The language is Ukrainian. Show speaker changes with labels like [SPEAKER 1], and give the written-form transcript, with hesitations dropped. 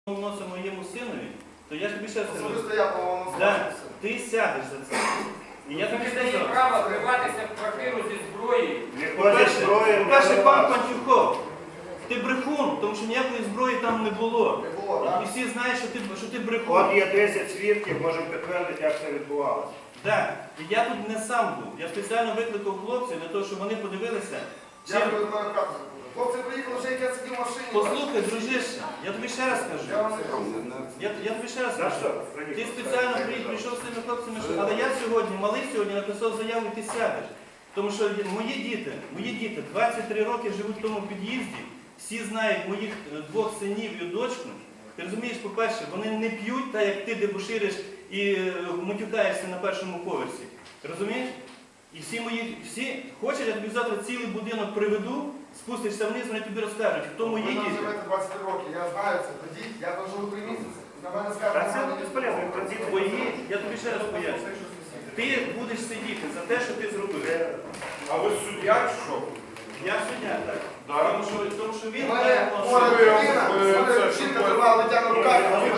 [SPEAKER 1] вносимо моєму синові, то я ж тобі ще раз кажу,
[SPEAKER 2] Особисто я повинен
[SPEAKER 1] да, ти сядеш за це. І я тобі
[SPEAKER 3] не дає
[SPEAKER 1] сказав.
[SPEAKER 3] права вриватися в квартиру зі зброєю.
[SPEAKER 1] По-перше, пан Панчухов, ти брехун, тому що ніякої зброї там не було.
[SPEAKER 2] Не було, так?
[SPEAKER 1] І всі знають, що ти брехун.
[SPEAKER 4] От є 10 свідків, можемо підтвердити, як це відбувалося.
[SPEAKER 1] Так, і я тут не сам був. Я спеціально викликав хлопців для того, щоб вони подивилися.
[SPEAKER 2] Я до мене хату забуду. Хлопці приїхали, вже як я сидів в машині.
[SPEAKER 1] Послухай, дружище, я тобі ще раз кажу.
[SPEAKER 2] Я вам не кажу.
[SPEAKER 1] Я тобі ще раз
[SPEAKER 4] За
[SPEAKER 1] кажу.
[SPEAKER 4] що?
[SPEAKER 1] Ти спеціально прийшов з цими хлопцями, але я сьогодні, малий сьогодні написав заяву, і ти сядеш. Тому що мої діти 23 роки живуть в тому під'їзді, всі знають моїх двох синів і дочку. Ти розумієш, по-перше, вони не п'ють, так як ти дебошириш і матюкаєшся на першому поверсі. Розумієш? І всі хочуть, я тобі завтра цілий будинок приведу, спустишся вниз, вони тобі розкажуть, хто мої
[SPEAKER 2] Ви
[SPEAKER 1] діти.
[SPEAKER 2] там живете 23 роки, я знаю це. Тоді я дожив 3 місяці. На мене
[SPEAKER 4] Та
[SPEAKER 2] скажуть,
[SPEAKER 4] це безполезно, в принципі.
[SPEAKER 1] Твої, я тобі ще раз поясню. Ти будеш сидіти за те, що ти зробив.
[SPEAKER 5] А ви суддя чи що?
[SPEAKER 1] Я суддя, так.
[SPEAKER 5] Да.
[SPEAKER 1] Тому що він
[SPEAKER 2] У мене
[SPEAKER 1] так,
[SPEAKER 2] хвора
[SPEAKER 5] ви-
[SPEAKER 2] дитина,
[SPEAKER 5] ви-
[SPEAKER 2] у мене
[SPEAKER 5] це
[SPEAKER 2] жінка
[SPEAKER 5] що ви-
[SPEAKER 2] тримала дитя на руках, а ви